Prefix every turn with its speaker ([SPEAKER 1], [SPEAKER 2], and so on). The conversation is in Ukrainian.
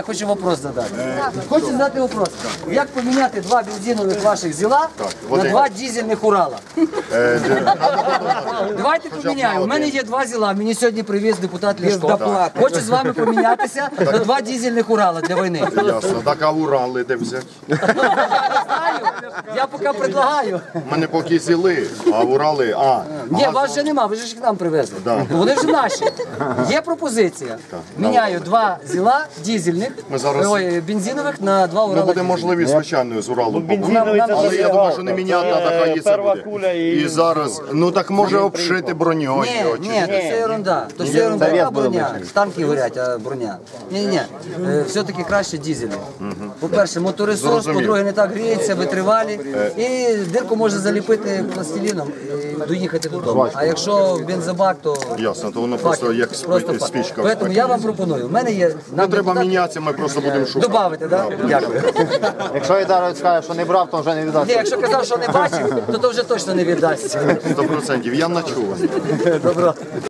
[SPEAKER 1] хочу вопрос задати. Хочу задати вопрос. Як поміняти два бензинових ваших ЗІЛа на два дизельних Урала? Давайте поміняємо. У мене є два ЗІЛа, мені сьогодні привіз депутат Ляшко. Хочу з вами помінятися на два дизельних Урала для війни.
[SPEAKER 2] Ясно. Так, а Урали де взяти?
[SPEAKER 1] Я поки предлагаю.
[SPEAKER 2] У мене поки зіли, а Урали,
[SPEAKER 1] Ні, вас вже нема, ви ж їх нам привезли. Вони вже наші. Є пропозиція. Міняю два ЗІЛа дизельних, бензинових на два Урала.
[SPEAKER 2] Ну, буде можливість, звичайно, з Уралом побути. Але я думаю, що не міняти треба, хай і це буде. І зараз, ну так може обшити броньою.
[SPEAKER 1] Ні, то все ерунда. То все ерунда, а броня. Танки горять, а броня. Ні, все-таки краще дизельний. По-перше, моторесурс, по-друге, не так гріється, витривалі. І дирку можна заліпити пластиліном і доїхати додому. А якщо бензобак, то...
[SPEAKER 2] Ясно, то воно просто як спічка.
[SPEAKER 1] Тому я вам пропоную. У мене є...
[SPEAKER 2] Не треба мінятися, ми просто будемо шукати.
[SPEAKER 1] Добавити, так? Дякую.
[SPEAKER 3] Якщо Ідарович скаже, що не брав, то вже не віддасть.
[SPEAKER 1] Ні, якщо казав, що не бачив, то вже точно не віддасть.
[SPEAKER 2] 100%, я ночую.
[SPEAKER 1] Добро.